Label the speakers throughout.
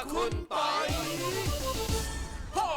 Speaker 1: คุณปอยขอบ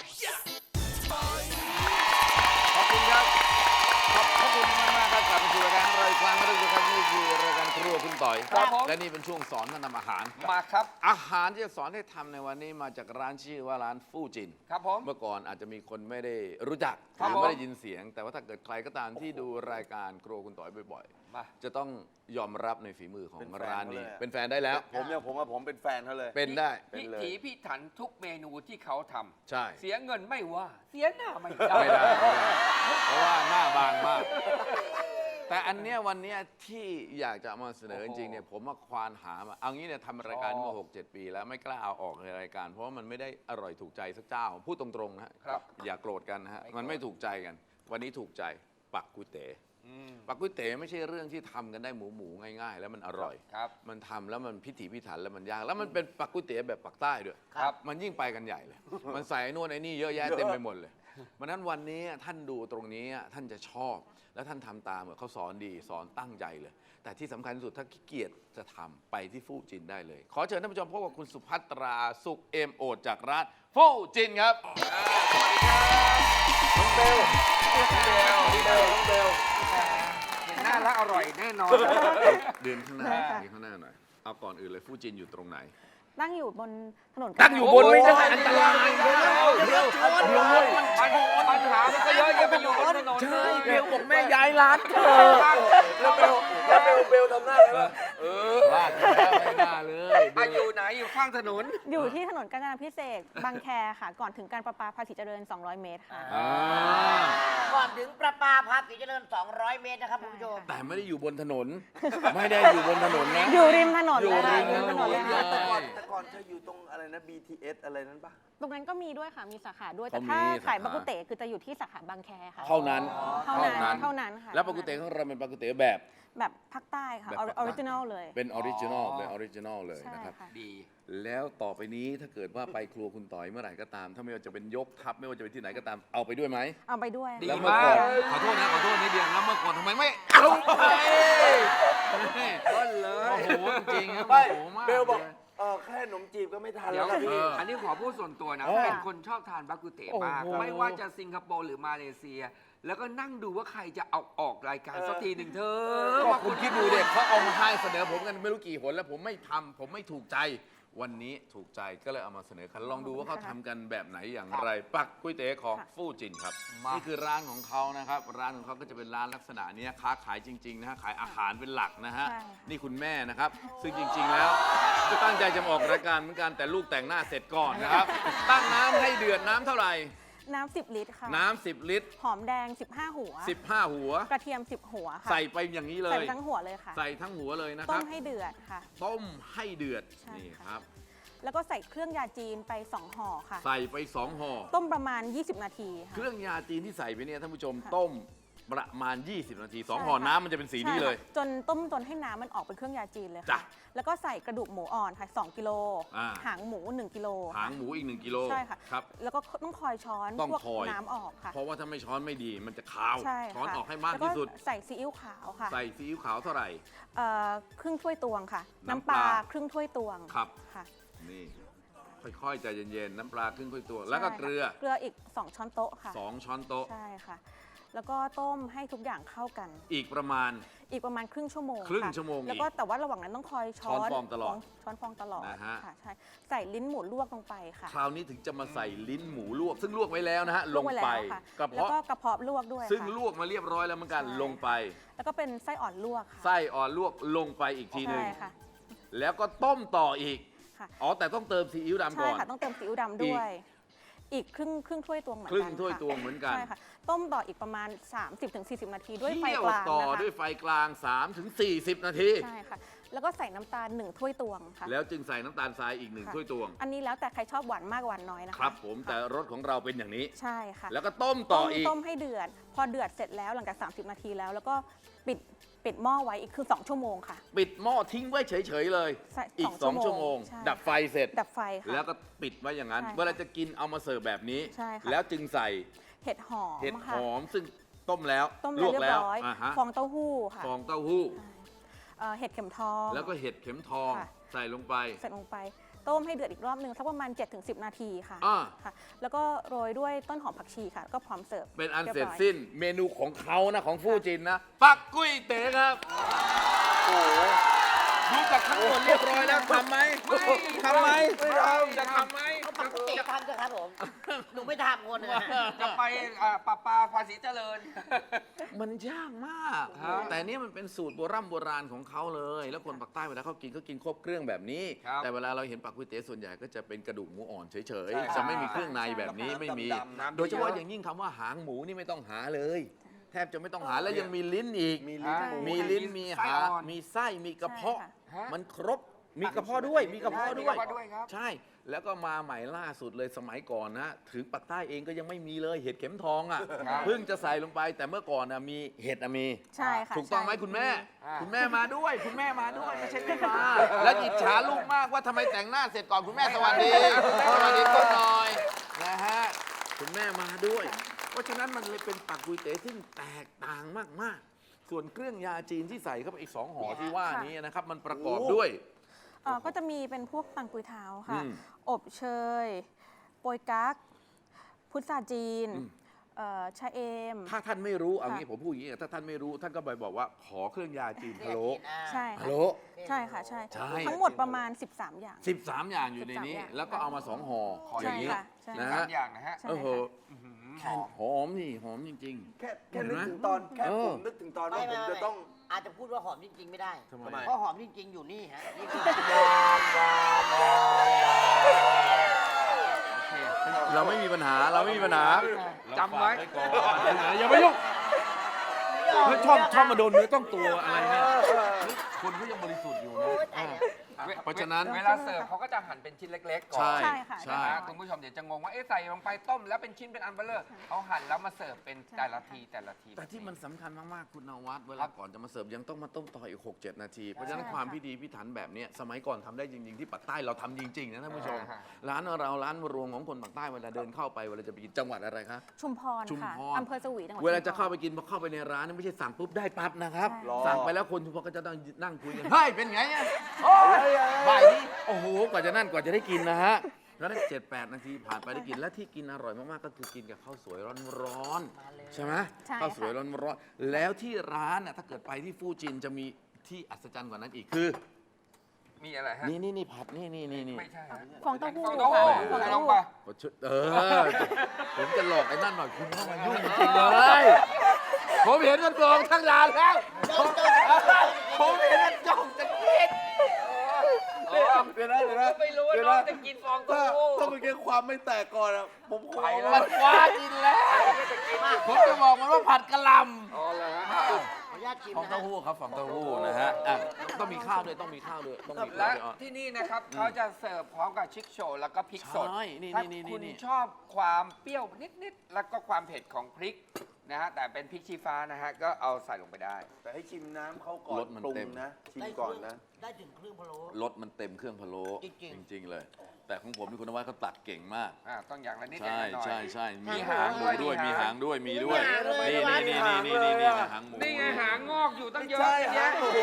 Speaker 1: คุณครับขอบคุณมากๆครับกลับมาสู่รายการเราอีกครั้งนึงนะครับนี่คือรายการครัวคุณต่อย
Speaker 2: ครับผม
Speaker 1: และนี่เป็นช่วงสอนการทำอาหาร
Speaker 2: มาครับ
Speaker 1: อาหารที่จะสอนให้ทำในวันนี้มาจากร้านชื่อว่าร้านฟู่จิน
Speaker 2: ครับผม
Speaker 1: เมื่อก่อนอาจจะมีคนไม่ได้รู้จักห
Speaker 2: ครับ
Speaker 1: รือไม่ได้
Speaker 2: ผม
Speaker 1: ยินเสียง แต่ว่าถ้าเกิดใครก็ตามที่ดูรายการครัวคุณต่อยบ่อย
Speaker 2: มา
Speaker 1: ๆ จะต้องยอมรับในฝีมือของ
Speaker 3: เป็นแฟน
Speaker 1: ร้านนี้
Speaker 3: เขาเลยอะ
Speaker 1: เป็นแฟนได้แล้ว
Speaker 3: ผมเป็นแฟนเขาเลย
Speaker 1: เป็นได้
Speaker 3: เป็น
Speaker 2: พิ
Speaker 3: เลย
Speaker 2: ถีพิถันทุกเมนูที่เขาทำ
Speaker 1: ใช่
Speaker 2: เสียเงินไม่ว่า เสียหน้าไม่ได้
Speaker 1: ไม่ได้เพราะว่าหน้าบางมาก แต่อันเนี้ยวันเนี้ยที่อยากจะเอามาเสนอจริงๆเนี่ยผมมาควานหามาเอางี้เนี่ยทำรายการมา6-7 ปีแล้วไม่กล้าเอาออกในรายการ เพราะว่ามันไม่ได้อร่อยถูกใจสักเจ้าพูดตรงๆนะฮะ
Speaker 2: ครับ
Speaker 1: อย่าโกรธกันนะฮะ
Speaker 2: ไม่โกรธ
Speaker 1: มันไม่ถูกใจกัน วันนี้ถูกใจปักกุยเต๋ปักกุยเต๋ไม่ใช่เรื่องที่ทำกันได้หมูง่ายๆ แล้วมันอร่อย
Speaker 2: ครับ
Speaker 1: มันทำแล้วมันพิถีพิถันแล้วมันยากแล้วมันเป็นปักกุยเต๋แบบปักใต้ด้วย
Speaker 2: ครับ
Speaker 1: มันยิ่งไปกันใหญ่เลย มันใส่ไอ้นู่นไอ้นี่เยอะแยะเต็มไปหมดเลยวันนั้นวันนี้ท่านดูตรงนี้ท่านจะชอบ แล้วท่านทำตามเขาสอนดีสอนตั้งใจเลย แต่ที่สำคัญที่สุดถ้าขี้เกียจจะทำไปที่ฟู่จินได้เลย ขอเชิญท่านผู้ชมพบกับคุณสุภัตราสุขเอมโอดจากร้านฟู่จินครับ
Speaker 3: น้องเบลน้องเบล
Speaker 2: เห็นหน้าแล้วอร่อยแน่นอน
Speaker 1: เดินข้างหน้า
Speaker 4: ได้ค่ะ
Speaker 1: เดินข้างหน้าหน่อยเอาก่อนอื่นเลยฟู่จินอยู่ตรงไหน
Speaker 4: ตั้งอยู่บนถนน
Speaker 1: ตั้งอยู่บนไม่ได้อันตราย
Speaker 2: เดี๋ยวปัญหามันก็เยอะแยะไปอยู่บนถนนเลย
Speaker 1: เบลบอกแม่ย้ายร้านเธอ
Speaker 3: แล้วเบลทำหน้าไงวะ
Speaker 1: พลาดแล้วไม่น่าเลย
Speaker 2: อยู่ไหนอยู่ข้างถนน
Speaker 4: อยู่ที่ถนนกาญจนาพิเศษกบางแคค่ะ ก่อนถึงการประปาภาษีเจริญ 200 เมตรค่ะ
Speaker 1: อ่า
Speaker 5: ก่อนถึงประปาภาษีเจริญ 200 เมตรนะครับคุณผู้ชม
Speaker 1: แต่ไม่ได้อยู่บนถนน ไม่ได้อยู่บนถนนนะ
Speaker 4: อยู่ริมถนน
Speaker 1: อยู่
Speaker 4: เลย
Speaker 1: ริ
Speaker 4: ค่ะ
Speaker 1: มถนน
Speaker 4: เลยค่ะ
Speaker 3: แต่ก่อนเธออยู่ตรงอะไรนะ BTS อะไรนั้นปะ
Speaker 4: ตรงนั้นก็มีด้วยค่ะ มีสาขาด้วย แต่
Speaker 1: เขามี
Speaker 4: ถ้า
Speaker 1: สาขา
Speaker 4: ขายบักกุเตคือจะอยู่ที่สาขาบางแคค่ะ
Speaker 1: เท่านั้น
Speaker 4: เท่านั้นค่ะ
Speaker 1: แล้วปกติของเราเป็นปกติแบบ
Speaker 4: แบบภาคใต้ค่ะ
Speaker 1: แบบ
Speaker 4: อ
Speaker 1: ภาคใต้
Speaker 4: อริจินอลเลย
Speaker 1: เป็นออริจินอลเป็นออริจินอลเลย
Speaker 4: ใช่
Speaker 1: นะครับ
Speaker 4: ค่ะ
Speaker 2: ดี
Speaker 1: แล้วต่อไปนี้ถ้าเกิดว่าไปครัวคุณต่อยเมื่อไหร่ก็ตาม ถ้าไม่ว่าจะเป็นยกทัพไม่ว่าจะเป็นที่ไหนก็ตามเอาไปด้วยไหม
Speaker 4: เอาไปด้วย
Speaker 2: ดี
Speaker 1: แล้วเมื่อก่อน
Speaker 2: มาก
Speaker 1: ขอโทษนะขอโทษนิดเดียวแล้วเมื่อก่อนทำไมไม่เอาไป
Speaker 2: ก็เลย
Speaker 1: โอ้โหจริงๆครับ
Speaker 3: ไม่
Speaker 1: โอ้โหมาก
Speaker 3: เบลบอก
Speaker 1: เลย
Speaker 3: แค่ขนมจีบก็ไม่ทัน
Speaker 2: เดี๋
Speaker 3: แล้
Speaker 2: ยว ว
Speaker 3: ครับพี่
Speaker 2: อันนี้ขอพูดส่วนตัวนะ
Speaker 1: เออ
Speaker 2: เป็นคนชอบทานบากุเตะมาก
Speaker 1: โอ้โห
Speaker 2: ไม่ว่าจะสิงคโปร์หรือมาเลเซีย แล้วก็นั่งดูว่าใครจะเอาออกรายการสักทีหนึ่งเธอ
Speaker 1: ก็คุณคิดดูเด็กเขาเอามาให้เสนอผมกันไม่รู้กี่หนแล้วผมไม่ทำผมไม่ถูกใจ วันนี้ถูกใจก็เลยเอามาเสนอกันลองดูว่าเขาทำกันแบบไหนอย่างไร ปักกุ้ยเตี๋ยวของฟู่จินครับ
Speaker 2: มานี่
Speaker 1: นี่คือร้านของเขานะครับ ร้านของเขาก็จะเป็นร้านลักษณะเนี้ยค้าขายจริงๆนะฮะขายอาหารเป็นหลักนะฮะ
Speaker 4: ใช่ค่ะ
Speaker 1: นี่คุณแม่นะครับ ซึ่งจริง ๆ แล้วก็ตั้งใจจะมาออกรายการเหมือนกันแต่ลูกแต่งหน้าเสร็จก่อนนะครับ ตั้งน้ำให้เดือดน้ำเท่าไหร่
Speaker 4: น้ำ10 ลิตรค่ะ
Speaker 1: น้ำ10 ลิตร
Speaker 4: หอมแดง 15 หัว
Speaker 1: 15 หัว
Speaker 4: กระเทียม 10 หัวค่ะ
Speaker 1: ใส่ไปอย่างนี้เล
Speaker 4: ใส่
Speaker 1: ย
Speaker 4: ไปทั้งหัวเลยค่ะ
Speaker 1: ใส่ทั้งหัวเลยนะค
Speaker 4: ต้
Speaker 1: รับ
Speaker 4: มให้เดือดค่ะ
Speaker 1: ต้มให้เดือด
Speaker 4: ใช่
Speaker 1: นี่
Speaker 4: ค่ะ
Speaker 1: ครับ
Speaker 4: แล้วก็ใส่เครื่องยาจีนไป 2 ห่อค่ะ
Speaker 1: ใส่ไป2ห่อ
Speaker 4: ต้มประมาณ 20 นาทีค่ะ
Speaker 1: เครื่องยาจีนที่ใส่ไปเนี่ยท่านผู้ชม
Speaker 4: ค่ะ
Speaker 1: ต้มประมาณ 20 นาที
Speaker 4: ใช่
Speaker 1: 2ห่อ
Speaker 4: ค่ะ
Speaker 1: น้ำมันจะเป็นสีนี้เลย
Speaker 4: ใช่ค่ะจนต้มจนให้น้ำมันออกเป็นเครื่องยาจีนเลย
Speaker 1: จ้ะ
Speaker 4: ค่ะ แล้วก็ใส่กระดูกหมูอ่อนค่ะ 2 กิโล
Speaker 1: อ่า
Speaker 4: หางหมู 1 กิโล
Speaker 1: หางหมูอีก1กิโล
Speaker 4: ใช่ค่ะ
Speaker 1: ครับ
Speaker 4: แล้วก็ต้องคอยช้อน
Speaker 1: ต้อง
Speaker 4: พวก
Speaker 1: คอย
Speaker 4: น้ำออกค่ะ
Speaker 1: เพราะว่าถ้าไม่ช้อนไม่ดีมันจะคาว
Speaker 4: ใช่
Speaker 1: ช้อน
Speaker 4: ค่ะ
Speaker 1: ออกให้มากที่สุด
Speaker 4: แล้วใส่ซีอิ๊วขาวค่ะ
Speaker 1: ใส่ซีอิ๊วขาวเท่าไหร่
Speaker 4: ครึ่งถ้วยตวงค่ะ
Speaker 1: น้ำ
Speaker 4: น้ำ
Speaker 1: ป
Speaker 4: ป
Speaker 1: ลา
Speaker 4: ลาครึ่งถ้วยตวง
Speaker 1: ครับ
Speaker 4: ค่ะ
Speaker 1: นี่ค่อยๆใจเย็นๆน้ำปลาครึ่งถ้วยตัว แล้วก็
Speaker 4: ใช่ค่ะ
Speaker 1: เกลือ
Speaker 4: เกลืออีก 2 ช้อนโต๊ะค่ะ
Speaker 1: 2 ช้อนโต๊ะ
Speaker 4: ใช่ค่ะ แล้วก็ต้มให้ทุกอย่างเข้ากัน
Speaker 1: อีกประมาณ
Speaker 4: อีกประมาณครึ่งชั่วโมง
Speaker 1: ครึ่ง
Speaker 4: ค่ะ
Speaker 1: ชั่วโมงอีก
Speaker 4: แล้วก็แต่ว่าระหว่างนั้นต้องคอยช้อน
Speaker 1: ช้อนฟองตลอด
Speaker 4: ช้อนฟองตลอด
Speaker 1: นะฮะ
Speaker 4: ค่ะใช่ใส่ลิ้นหมูลวกลงไปค่ะ
Speaker 1: คราวนี้ถึงจะมาใส่ลิ้นหมูลวก ซึ่งลวกไว้แล้วนะฮะลง
Speaker 4: วกว้
Speaker 1: ไป
Speaker 4: แล้วค่ะ
Speaker 1: กระ
Speaker 4: แล้ว
Speaker 1: เพาะ
Speaker 4: ก็กระเพาะลวกด้วย
Speaker 1: ซึ่ง
Speaker 4: ค่ะ
Speaker 1: ลวกมาเรียบร้อยแล้วเหมือนกัน
Speaker 4: ใช่
Speaker 1: ลงไป
Speaker 4: แล้วก็เป็นไส้อ่อนลวกค่ะ
Speaker 1: ไส้อ่อนลวกลงไปอีกทีหนึ่ง
Speaker 4: ใช่ค่ะ
Speaker 1: แล้วก็ต้มต่ออีก
Speaker 4: ค่ะ
Speaker 1: อ๋อ แต่ต้องเติมซีอิ๊วดำ
Speaker 4: ใช่
Speaker 1: ก่อน
Speaker 4: ค่ะต้องเติมซีอิ๊วดำด้วย อีกครึ่งถ้วยตวงเหมือน
Speaker 1: ครึ่
Speaker 4: กัน
Speaker 1: งถ้วย
Speaker 4: ค่ะ
Speaker 1: ตวงเหมือนกัน
Speaker 4: ใช่ค่ะต้มต่ออีกประมาณ 30-40 นาทีด้วยไฟ
Speaker 1: เคี่ยว
Speaker 4: กลาง
Speaker 1: ต่อ
Speaker 4: นะคะ
Speaker 1: ด้วยไฟกลาง 3-40 นาที
Speaker 4: ใช่ค่ะแล้วก็ใส่น้ำตาล1ถ้วยตวงค่ะ
Speaker 1: แล้วจึงใส่น้ำตาลทรายอีก
Speaker 4: ค่ะ
Speaker 1: 1ถ้วยตวง
Speaker 4: อันนี้แล้วแต่ใครชอบหวานมากหวานน้อยนะคะ
Speaker 1: ครับผมแต่รสของเราเป็นอย่างนี้
Speaker 4: ใช่ค่ะ
Speaker 1: แล้วก็ต้มต่ออีก
Speaker 4: ต้มให้เดือด พอเดือดเสร็จแล้วหลังจาก 30 นาทีแล้ว แล้วก็ปิดหม้อไว้อีกคือ 2 ชั่วโมงค่ะ
Speaker 1: ปิดหม้อทิ้งไว้เฉยๆเลย
Speaker 4: ใช่
Speaker 1: อีก
Speaker 4: 2
Speaker 1: 2 ชั่วโมง
Speaker 4: ใช่
Speaker 1: ดับไฟเสร็จ
Speaker 4: ดับไฟค่ะ
Speaker 1: แล้วก็ปิดไว้อย่างนั้น
Speaker 4: ใช่ค่ะ
Speaker 1: เวลาจะกินเอามาเสิร์ฟแบบนี้
Speaker 4: ใช่ค่ะ
Speaker 1: แล้วจึงใส่
Speaker 4: เห็ดหอม
Speaker 1: เห็ดห
Speaker 4: ค่ะ
Speaker 1: อมซึ่งต้มแล้ว
Speaker 4: ต้ม
Speaker 1: ลวก
Speaker 4: เรีย
Speaker 1: แล้
Speaker 4: บ
Speaker 1: ว
Speaker 4: ร้อย
Speaker 1: ฮะ
Speaker 4: ฟองเต้าหู้ค่ะ
Speaker 1: ฟองเต้าหู้
Speaker 4: เห็ดเข็มทอง
Speaker 1: แล้วก็เห็ดเข็มทอง
Speaker 4: ค่ะ
Speaker 1: ใส่ลงไป
Speaker 4: ใส่ลงไปต้มให้เดือดอีกรอบหนึ่งสักประมาณ 7-10 นาทีค่ะ
Speaker 1: อ่า
Speaker 4: ค่ะ แล้วก็โรยด้วยต้นหอมผักชีค่ะก็พร้อมเสิร์ฟ
Speaker 1: เป็นอัน
Speaker 4: ยบ
Speaker 1: เสร็จ
Speaker 4: อย
Speaker 1: สิ้นเมนูของเขานะของฟู่จินนะ ปักกุ้ยเต๋ครับ
Speaker 3: โอ้โห
Speaker 1: รู้จักทั้งหมดเรียบร้อยแล้วทำไหมทำไหม
Speaker 3: ไม่ทำ
Speaker 2: จะทำไหม
Speaker 5: ปกติทำเถอะครับผม หนูไม่ทำคนหนึ่ง
Speaker 2: จะไปปะปาภาษีเจริญ
Speaker 1: มันยากมาก
Speaker 2: ฮะ
Speaker 1: แต่นี่มันเป็นสูตรโบราณของเขาเลย แล้วคนปากใต้เวลาเขากินครบเครื่องแบบนี้
Speaker 2: ครับ
Speaker 1: แต่เวลาเราเห็นปักกุ้ยเต๋ส่วนใหญ่ก็จะเป็นกระดูกหมูอ่อนเฉย
Speaker 3: ใช่
Speaker 1: ๆจะไม่มีเครื่องในแบบนี้ไม่มี
Speaker 3: ดำๆ
Speaker 1: โดยเฉพาะอย่างยิ่งคำว่าหางหมูนี่ไม่ต้องหาเลย แทบจะไม่ต้องหาแล้วยังมีลิ้นอีก
Speaker 3: มีลิ้นหมู
Speaker 1: มีลิ้นมี
Speaker 2: ไส้
Speaker 1: หา
Speaker 2: อ่อน
Speaker 1: มีไส้มีกระเพาะ
Speaker 4: ใช่ค่ะ
Speaker 2: ฮะ
Speaker 1: มันครบมีกระเพาะด้วยมีกระเพาะด้วย
Speaker 2: มีกระเพาะด้วยครับ
Speaker 1: ใช่แล้วก็มาใหม่ล่าสุดเลยสมัยก่อนนะถึงปักใต้เองก็ยังไม่มีเลยเห็ดเข็มทองอ่ะ
Speaker 2: ครับ
Speaker 1: เพิ่งจะใส่ลงไปแต่เมื่อก่อนนะมีเห็ดอะมี
Speaker 4: ใช่ค่ะ
Speaker 1: ถูกต้องไหม
Speaker 4: ใช่
Speaker 1: คุณแม่
Speaker 2: อ่า
Speaker 1: คุณแม่มาด้วย คุณแม่มาด้วยไม่ใช่ไม่มา แล้วอิจฉาลูกมากว่าทำไมแต่งหน้าเสร็จก่อนคุณแม่สวัสดีสวัสดีก็หน่อยนะฮะคุณแม่มาด้วย เพราะฉะนั้นมันเลยเป็นปักกุยเต๋ซึ่งแตกต่างมากๆ ส่วนเครื่องยาจีนที่ใส่เข้าไปอีก2ห่อที่ว่านี้นะครับมันประกอบด้วย
Speaker 4: ก็จะมีเป็นพวกตังกุยเท้าค่ะ
Speaker 1: อืม
Speaker 4: อบเชย โปยกั๊กพุทราจีน
Speaker 1: อืม
Speaker 4: ชะเอม
Speaker 1: ถ้าท่านไม่รู้เอา
Speaker 4: ค่ะ
Speaker 1: งี้ผมพูดอย่างนี้ถ้าท่านไม่รู้ท่านก็ไปบอกว่าขอเครื่องยาจีนพะโล้
Speaker 4: ใช่
Speaker 1: พะ
Speaker 4: ค่ะ
Speaker 1: โล้
Speaker 4: ใช่ค่ะใช่
Speaker 1: ใช่
Speaker 4: ทั้งหมดประมาณ 13 อย่าง
Speaker 1: 13 อย่างอยู่ในนี้
Speaker 4: 13อย่าง
Speaker 1: แล้วก็เอามา2ห่อ
Speaker 2: ขอ
Speaker 1: อย่างนี้
Speaker 4: ใช่ค่ะใช่
Speaker 1: นะ
Speaker 2: สา
Speaker 1: ฮะ
Speaker 2: มอย่างนะฮะ
Speaker 4: ใช่
Speaker 1: โอ้โห
Speaker 4: ค่ะ
Speaker 1: หอมนี่หอมจริง
Speaker 3: แค่นึกถึงตอนแค่
Speaker 1: เออ
Speaker 3: ผมนึกถึงตอนว่าผมจะต้อง
Speaker 5: อาจจะพูดว่าหอมจริง ๆ ไม่ได้
Speaker 1: ทำไม
Speaker 5: เพราะหอมจริง ๆ อยู่นี่ฮะนี่คือ
Speaker 1: ๆ เราไม่มีปัญหาเราไม่มีปัญหา
Speaker 2: จำไว้
Speaker 1: ก่อนอย่าไปยุ่งเฮ้ยชอบมาโดนเนื้อต้องตัวอะไรเนี่ยคนเขายังบริสุทธิ์อยู่นะ
Speaker 5: โอ้ยตายแล้ว
Speaker 1: เพราะฉะนั้น
Speaker 2: เวลาเสิร์ฟเขาก็จะหั่นเป็นชิ้นเล็กๆก่อน
Speaker 1: ใช่
Speaker 4: ใช่ค่ะ
Speaker 1: ใช่
Speaker 2: นะฮะคุณผู้ชมเดี๋ยวจะงงว่าเอ๊ะใส่ลงไปต้มแล้วเป็นชิ้นเป็นอันเบลเลอร์เขาหั่นแล้วมาเสิร์ฟเป็นแต่ละทีแต่ละที
Speaker 1: แต่ที่มันสำคัญมาก ๆ คุณนวัดเวลาก่อนจะมาเสิร์ฟยังต้องมาต้มต่ออีก 6-7 นาที เพราะฉะนั้น
Speaker 4: ใช่
Speaker 1: ความ
Speaker 4: ค่ะ
Speaker 1: พิธีพิถันแบบเนี้ยสมัยก่อนทำได้จริง ๆ ที่ปากใต้เราทำจริง ๆ นะท่านผู้ชม
Speaker 2: อ่าฮะ
Speaker 1: ร้านเราร้านรวงของคนปากใต้เวลาเดินเข้าไปเวลาจะไปกินจังหวัดอะไรคะ
Speaker 4: ชุมพร
Speaker 1: ชุม
Speaker 4: ค่ะ
Speaker 1: พร
Speaker 4: อำเภอสวีจังหวัด
Speaker 1: เวลาจะ
Speaker 4: ชุมพร
Speaker 1: เข้าไปกินพอเข้าไปในร้านนี่ไม่ใช่สั่งปุ๊บได้ปั๊บนะครับ
Speaker 4: ใช่
Speaker 1: สั่งไปแล้วคนชุมพรก็จะต้องนั่งคุยกัน เฮ้ย เป็นไงอ่ะโอ้ยบ่ายนี้โอ้โห กว่าจะนั่นกว่าจะได้กินนะฮะ แล้วนั้น7-8 นาทีผ่านไปได้กิน และที่กินอร่อยมาก ๆ ก็คือกินกับข้าวสวยร้อน ๆ ใช่ไหม
Speaker 4: ใช่
Speaker 1: ข้าวสวย
Speaker 4: ค่ะ
Speaker 1: ร้อนๆแล้วที่ร้านน่ะถ้าเกิดไปที่ฟูจินจะมีที่อัศจรรย์กว่านั้นอีกคือ
Speaker 2: มีอะไรฮะ
Speaker 1: นี่ผัดนี่
Speaker 2: ไม่ใช่ฮะ
Speaker 4: ฟองเต้าหู้
Speaker 2: ฟองเต้าหู้
Speaker 4: ค่ะฟอง
Speaker 2: ใส่
Speaker 4: เต้า
Speaker 2: ลง
Speaker 4: หู้
Speaker 2: ไป
Speaker 1: ผมจะหลอกไอ้นั่นหน่อยคุณเข้ามายุ่งจริงๆเลยผมเห็นมันกองทั้งร้านแล้วผมเห็นมันจ้องจะกิน
Speaker 3: เดี๋ยวนะ
Speaker 2: ไม่รู้ว่าน้องจะกินฟองเต้าหู้
Speaker 3: ถ้าเมื่อกี้ความไม่แตกก่อนอะผมขอ
Speaker 2: ไปแล้ว
Speaker 1: มันคว้ากินแล้ว ผมจะบอกมันว่าผัดกะหล่ำ
Speaker 2: อ๋อเหรอฮะ
Speaker 5: ขออนุญาตชิม
Speaker 1: ฟอง
Speaker 5: นะ
Speaker 1: เต้า
Speaker 5: ฮะ
Speaker 1: หู้ครับฟองเต้าหู้นะฮะอ่ะต้องมีข้าวด้วยต้องมีข้าวด้วยต้องมีข้า
Speaker 2: และ
Speaker 1: วด้วยอ่ะ
Speaker 2: ที่นี่นะครับเขาจะเสิร์ฟพร้อมกับชิคโชว์แล้วก็พริกสด
Speaker 1: ใช่นี่
Speaker 2: ถ้า
Speaker 1: นี่
Speaker 2: คุณ
Speaker 1: นี่
Speaker 2: ชอบความเปรี้ยวนิดๆแล้วก็ความเผ็ดของพริกนะฮะแต่เป็นพริกชี้ฟ้านะฮะก็เอาใส่ลงไปได้
Speaker 3: แต่ให้ชิมน้ำเขาก่อน
Speaker 1: รสมัน
Speaker 3: ปรุง
Speaker 1: เต็ม
Speaker 3: นะ ชิมก่อนนะ
Speaker 5: ได้ถึงเครื่องพะโล้
Speaker 1: รสมันเต็มเครื่องพะโล้
Speaker 5: จริงๆ
Speaker 1: จริง ๆ เลย แต่ของผมนี่คุณนวัดเขาตัดเก่งมาก
Speaker 2: ต้องอย่างละนิด
Speaker 1: ใช่
Speaker 2: อย่างละหน่อย
Speaker 1: ใช่มี
Speaker 2: มี
Speaker 1: หา
Speaker 2: หาง ง
Speaker 1: หมูด้วย
Speaker 2: ด้วย
Speaker 1: มีหางด้วยมีด้วย
Speaker 5: มี
Speaker 1: นี่
Speaker 5: หางด้วย
Speaker 1: นี่หางหมู
Speaker 2: นี่ไงหางงอกอยู่ตั้งเยอะ
Speaker 3: ใช่
Speaker 2: แยะ
Speaker 3: โอ้โห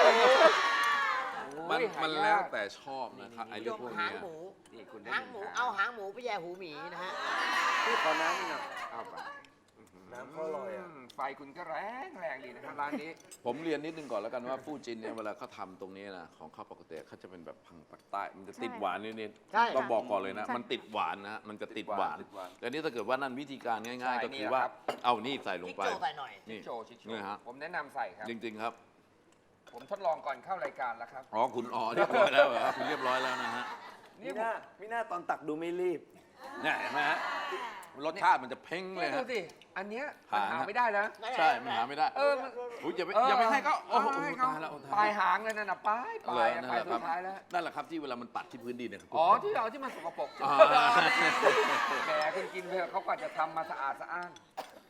Speaker 1: มัน
Speaker 2: โอ้ย
Speaker 1: มัน
Speaker 2: หายาก
Speaker 1: แล้วแต่ชอบนะครับไอ้
Speaker 5: ย
Speaker 1: เรื่อง
Speaker 5: ก
Speaker 1: พวก
Speaker 5: หา
Speaker 1: เนี้
Speaker 5: ง
Speaker 1: ย
Speaker 5: หมู
Speaker 2: นี่คุณได้
Speaker 5: หางหมูเอาหางหมูไปแย่หูหมีนะฮะ
Speaker 3: พี่ขอน้ำหน่อย
Speaker 2: เอาไป
Speaker 3: น้ำเขาอร่อยอะ
Speaker 2: ไฟคุณก็แรงดีนะครับร้านนี้
Speaker 1: ผมเรียนนิดนึงก่อนแล้วกันว่าฟูจินเนี่ยเวลาเขาทำตรงนี้นะของเขาปกติเขาจะเป็นแบบพังปักใต้มันจะติดหวานนิด
Speaker 5: ใช่
Speaker 1: ๆต้องบอกก่อนเลยนะ
Speaker 4: ใช่
Speaker 1: มันติดหวานนะมันจะติดหวาน
Speaker 3: ติดหวาน
Speaker 1: แต่นี่ถ้าเกิดว่านั่นวิธีการง่าย ๆ
Speaker 2: ใช่
Speaker 1: ก็
Speaker 2: นี่
Speaker 1: คือ
Speaker 2: แหละ
Speaker 1: ว่า
Speaker 2: ครับ
Speaker 1: เอานี่ใส่ลง
Speaker 5: พริก
Speaker 1: ไป
Speaker 5: โจใส่หน่อย
Speaker 1: นี่
Speaker 2: ชิคโชว์ชิคโช
Speaker 1: นี่
Speaker 2: ว์
Speaker 1: ฮะ
Speaker 2: ผมแนะนำใส่ครับ
Speaker 1: จริง ๆ ครับ
Speaker 2: ผมทดลองก่อนเข้ารายการแล้วครับ
Speaker 1: อ๋อคุณอ๋อเรียบร้อยแล้วเหรอคุณเรียบร้อยแล้วนะฮะ
Speaker 2: นี่
Speaker 3: มิน่าตอนตักดูไม่รีบ
Speaker 1: เนี่ยเห็นไหมฮะรสชาติมันจะเพ้งเล
Speaker 2: นี่
Speaker 1: ย
Speaker 2: ดู
Speaker 1: ฮะ
Speaker 2: สิอันเนี้ยมัน
Speaker 1: หา
Speaker 2: หาไม่ได้นะ
Speaker 1: ใช่มันหาไม่ได้
Speaker 2: มัน
Speaker 1: อุ๊ยอย่าไปให้เขาโอ้โห
Speaker 2: ให้
Speaker 1: ตายแล้ว
Speaker 2: ปลายหางเลยนั่นน่ะปลาย
Speaker 1: นั่น
Speaker 2: ปลาย
Speaker 1: แห
Speaker 2: ปลาย
Speaker 1: ละ
Speaker 2: สุดท้ายแล้ว
Speaker 1: นั่นแหละครับที่เวลามันปัดที่พื้นดินเนี่ย
Speaker 2: อ๋อที่เอาที่มันสกปรก
Speaker 1: อ่า
Speaker 2: แหมคุณกินเถอะเขากว่าจะทำมาสะอาดสะอ้าน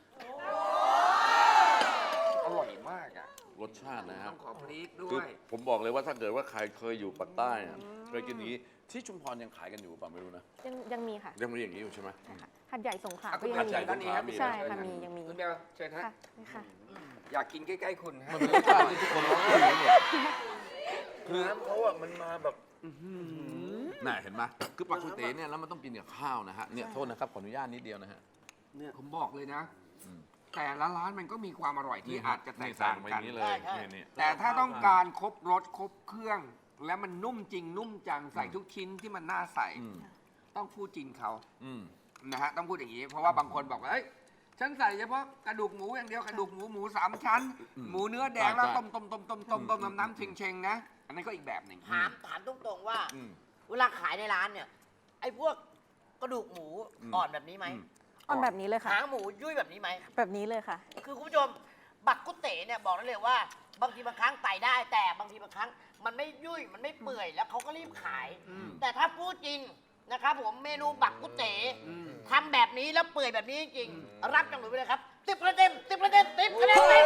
Speaker 2: อร่อยมากอ่ะ
Speaker 1: รสชาตินะค
Speaker 2: ต้
Speaker 1: รั
Speaker 2: อบ งขอพริกด้
Speaker 1: คือ
Speaker 2: วย
Speaker 1: ผมบอกเลยว่าถ้าเกิดว่าใครเคยอยู่ปากใต้อะเคยกินอย่างนี้ที่ชุมพรยังขายกันอยู่เปล่าไม่รู้นะ
Speaker 4: ยังมีค่ะ
Speaker 1: ยังมีอย่างนี้อยู่ใช่ไหม
Speaker 4: ใช่ค่ะหัดใหญ่สงขลา
Speaker 2: อ่ะ
Speaker 4: ก็
Speaker 2: คุณ
Speaker 4: ยัง
Speaker 2: หัดใหญ่
Speaker 4: มี
Speaker 2: ด้านนี้ครับ
Speaker 1: มี
Speaker 4: ใช่ค่ะมียังมี
Speaker 2: คุณเบลเชิญฮะ
Speaker 4: ค่ะนี่ค่ะ
Speaker 2: อยากกินใกล้ๆคุณฮะ
Speaker 1: มันเป็นรสชาติที่ทุกคนร้องอยู่หมด
Speaker 3: น้ำเขาอะมันมาแบบ
Speaker 1: น่าเห็นไหมคือปักกุเต๋เนี่ยแล้วมันต้องกินกับข้าวนะฮะเนี่ยโทษนะครับขออนุญาตนิดเดียวนะฮะ
Speaker 3: เนี่ย
Speaker 2: ผมบอกเลยนะ
Speaker 1: อืม
Speaker 2: แต่ละร้านมันก็มีความอร่อยที่อาจจะแตก
Speaker 1: สั่
Speaker 2: ต่าง ง
Speaker 1: ไปอ
Speaker 2: กั
Speaker 1: ย่าน งนี้เลย
Speaker 5: ใช่
Speaker 1: นี่
Speaker 2: แต่ถ้าต้องการครบรสครบเครื่อง แล้วมันนุ่มจริงนุ่มจังใส่ทุกชิ้นที่มันน่าใส่
Speaker 1: อืม
Speaker 2: ต้องพูดจริงเขา
Speaker 1: อืม
Speaker 2: นะฮะต้องพูดอย่างนี้ เพราะว่าบางคนบอกว่าเอ้ยฉันใส่เฉพาะกระดูกหมูอย่างเดียวกระดูกหมูสามชั้น
Speaker 1: อืม
Speaker 2: หมูเนื้อแดงแล้ว
Speaker 1: ใช่
Speaker 2: ต้มน้ำเชงๆนะ อันนั้นก็อีกแบบหนึ่ง
Speaker 5: ถามตรงๆว่า
Speaker 1: อืม
Speaker 5: เวลาขายในร้านเนี่ย ไอ้พวกกระดูกหมู
Speaker 1: อืม
Speaker 5: อ่อนแบบนี้ไหม
Speaker 1: อืม
Speaker 4: อ่อนแบบนี้เลยค่ะ
Speaker 5: หางหมูยุ่ยแบบนี้ไหม
Speaker 4: แบบนี้เลยค่ะ
Speaker 5: คือคุณผู้ชมบักกุเต๋เนี่ยบอกได้เลยว่า บางทีบางครั้งไต่ได้ แต่บางทีบางครั้งมันไม่ยุ่ยมันไม่เปื่อยแล้วเขาก็รีบขาย แต่ถ้าพูดจริงนะครับผมเมนูบักกุเต๋ทำแบบนี้แล้วเปื่อยแบบนี้จริงๆรับจังหวะไปเลยครับ10 คะแนน10 คะแนน10 คะแนนเต็ม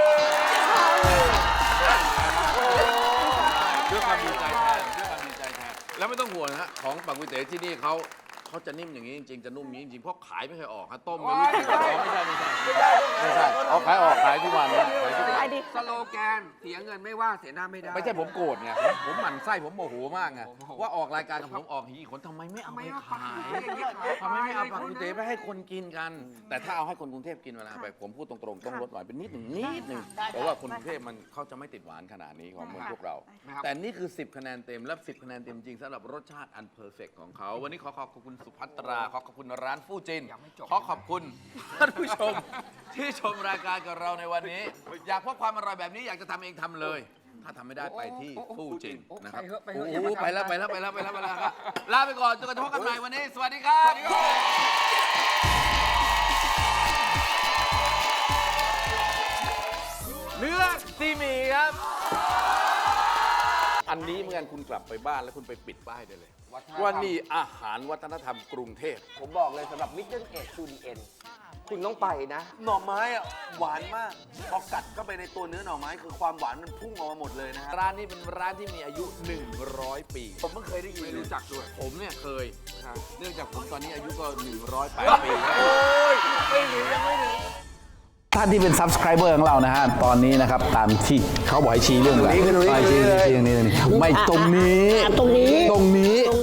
Speaker 1: ด้วยความดีใจแทนด้วยความดีใจแทนแล้วไม่ต้องห่วงนะฮะของปักกุเต๋ที่นี่เขาจะนิ่มอย่างนี้จริงๆจะนุ่มอย่างนี้จริงๆเพราะขายไม่เคยออกฮะต้มไม่รู้กี่กระป๋องไม่ใช่เอาขายออกขายทุกวันนะขายทุกวัน
Speaker 4: ไอดี
Speaker 2: สโลแกนเสียเงินไม่ว่าเสียหน้าไม่ได้
Speaker 1: ไม่ใช่ผมโกรธไงผมหมั่นไส้ผมโมโหมากไง
Speaker 2: โอ้โห
Speaker 1: ว่าออกรายการกับผมออกหีคนทำไมไม่เอา
Speaker 2: ทำไม
Speaker 1: ไป
Speaker 2: เอา
Speaker 1: ขาย
Speaker 2: ปักกุเต๋อย่างนี้ขาย
Speaker 1: ทำไมไม่เอาปักกุเต๋ไปให้คนกินกัน แต่ถ้าเอาให้คนกรุงเทพกินเวลาไปผมพูดตรงๆต้องลดหวานเป็นนิดหนึ่งเพราะว่าคนกรุงเทพมันเขาจะไม่ติดหวานขนาดนี้ของเมืองพวกเรา
Speaker 2: นะครับ
Speaker 1: แต่นี่คือ 10 คะแนนเต็มและ10 คะแนนเต็มจริงสำหรับรสชาติอันเพอร์เฟกของเขา วันนี้ขอขอบคุณสุภัตรา ขอขอบคุณร้านฟู่จิน
Speaker 2: ยังไม่จบ
Speaker 1: ขอขอบคุณท่านผู้ชม ที่ชมรายการกับเราในวันนี้ อยากพบความอร่อยแบบนี้อยากจะทำเองทำเลย ถ้าทำไม่ได้ไปที่ฟู่จินนะครับ
Speaker 2: ไปเถ
Speaker 1: โอ้
Speaker 2: อะ
Speaker 1: โหไปแล้วครับลาไปก่อนจนกระทั่งพบกันใหม่วันนี้ สวัสดีครับ เนื้อซีหมี่ครับ อันนี้เหมื่อนคุณกลับไปบ้านแล้วคุณไปปิดป้ายได้เลย ว่านี่อาหารวัฒนธรรมกรุงเทพ
Speaker 6: ผมบอกเลยสำหรับ Middle Age to the End คุณต้องไปนะ
Speaker 3: หน่อไม้อะหวานมาก พอกัดเข้าไปในตัวเนื้อหน่อไม้คือความหวานมันพุ่งออกมาหมดเลยนะฮะ
Speaker 1: ร้านนี้เป็นร้านที่มีอายุ 100 ปี
Speaker 3: ผมเพิ่งเคยได้ยิน
Speaker 2: ไม่รู้จักด้วย
Speaker 1: ผมเนี่ยเคย
Speaker 2: ครับ
Speaker 1: เนื่องจากผมตอนนี้อายุก็108 ปีแล้ว
Speaker 3: โอ้ยไม่ถึงยังไม่ถึง
Speaker 7: ท่านที่เป็น subscriber ของเรานะฮะ ตอนนี้นะครับ ตามที่เขาบอกให้ชี้เรื่องอะไร
Speaker 3: ตรงนี้
Speaker 7: ชี้ชี้ชี้ตรงนี้ ไม่ตรงนี้
Speaker 5: ตรงนี้
Speaker 7: ตรงนี้